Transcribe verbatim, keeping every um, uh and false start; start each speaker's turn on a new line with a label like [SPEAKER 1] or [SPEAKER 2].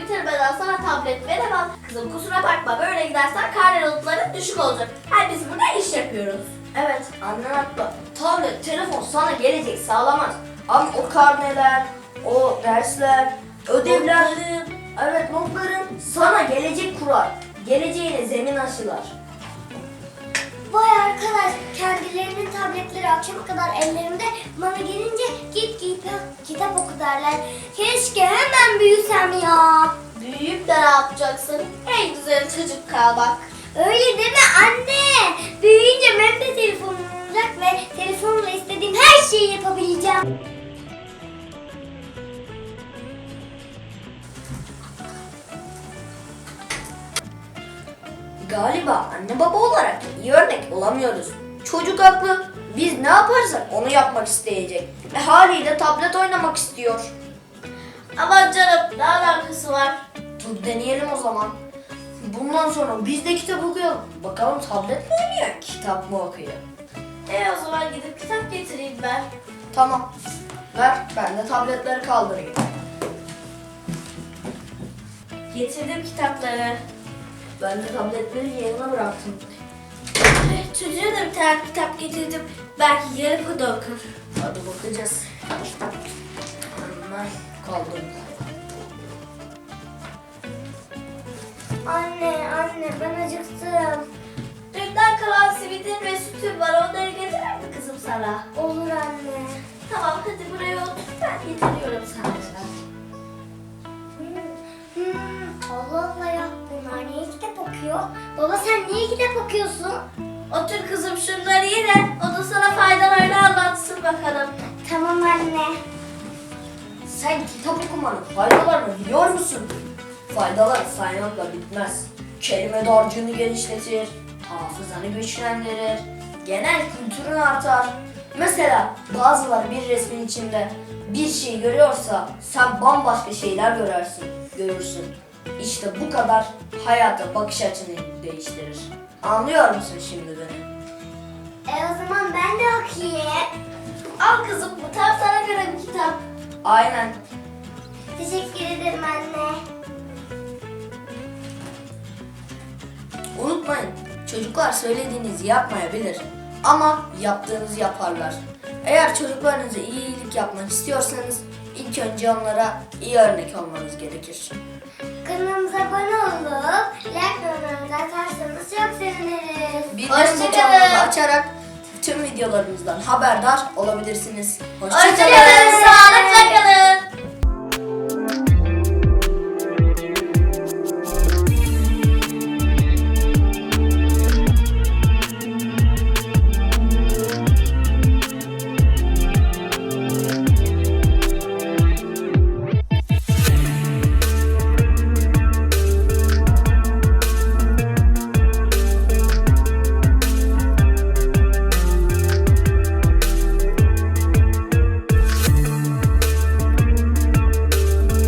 [SPEAKER 1] bitirmeden sana tablet veremem. Kızım kusura bakma, böyle gidersen karne notların düşük olacak. Her biz burada iş yapıyoruz.
[SPEAKER 2] Evet, annen haklı. Tablet, telefon sana gelecek sağlamaz. Ama o karneler, o dersler, ödevler,
[SPEAKER 1] Notların.
[SPEAKER 2] evet notların sana gelecek kurar. Geleceğine zemin aşılar.
[SPEAKER 3] Vay arkadaş, kendilerinin tabletleri akşama kadar ellerinde, bana gelince git git kitap oku derler. Keşke hemen büyüsem ya.
[SPEAKER 1] Büyüyüp de ne yapacaksın? En güzel çocuk kalmak.
[SPEAKER 3] Öyle deme anne. Büyüyünce benim de telefonum olacak ve telefonla istediğim her şeyi yapabileceğim.
[SPEAKER 2] Galiba anne baba olarak iyi örnek olamıyoruz. Çocuk haklı. Biz ne yaparsak onu yapmak isteyecek. E haliyle tablet oynamak istiyor.
[SPEAKER 1] Aman canım, ne alakası var?
[SPEAKER 2] Dur deneyelim o zaman. Bundan sonra biz de kitap okuyalım. Bakalım tablet mi oynuyor, kitap mı okuyor?
[SPEAKER 1] E o zaman gidip kitap getireyim ben.
[SPEAKER 2] Tamam. Ver, ben de tabletleri kaldırayım.
[SPEAKER 1] Getirdim kitapları.
[SPEAKER 2] Ben de tabletleri yerine bıraktım.
[SPEAKER 1] Eh, Çocuğa da bir tane kitap getirdim. Belki yarım o da okur.
[SPEAKER 2] Hadi bakacağız. Hemen kaldırdım.
[SPEAKER 3] Anne anne ben acıktım.
[SPEAKER 1] Dünden kalan simidin ve sütün var. Onları getirir mi kızım sana?
[SPEAKER 3] Olur anne.
[SPEAKER 1] Tamam, hadi buraya otur. Ben getiriyorum sana.
[SPEAKER 3] Hmm, hmm, Allah Allah ya. Bunlar niye kitap okuyor? Baba sen niye kitap okuyorsun?
[SPEAKER 1] Otur kızım, şunları ye de o da sana faydalarını anlatsın bakalım.
[SPEAKER 3] Tamam anne.
[SPEAKER 2] Sen kitap okumanın faydalarını biliyor musun? Faydalar saymakla bitmez. Kelime dağarcığını genişletir, hafızanı güçlendirir, genel kültürün artar. Mesela bazıları bir resmin içinde bir şey görüyorsa sen bambaşka şeyler görürsün, görürsün. İşte bu kadar hayata bakış açını değiştirir. Anlıyor musun şimdi beni?
[SPEAKER 3] E o zaman ben de okuyayım.
[SPEAKER 1] Al kızım, bu tam sana göre bir kitap.
[SPEAKER 2] Aynen.
[SPEAKER 3] Teşekkür ederim anne.
[SPEAKER 2] Unutmayın, çocuklar söylediğinizi yapmayabilir ama yaptığınızı yaparlar. Eğer çocuklarınıza iyilik yapmak istiyorsanız ilk önce onlara iyi örnek olmanız gerekir.
[SPEAKER 3] Kanalımıza abone olup like ve yorumlarınızı atarsanız çok seviniriz.
[SPEAKER 2] Bildirim
[SPEAKER 1] Hoşçakalın.
[SPEAKER 2] butonunu açarak tüm videolarımızdan haberdar olabilirsiniz.
[SPEAKER 1] Hoşçakalın.
[SPEAKER 2] Hoşçakalın.
[SPEAKER 1] Sağ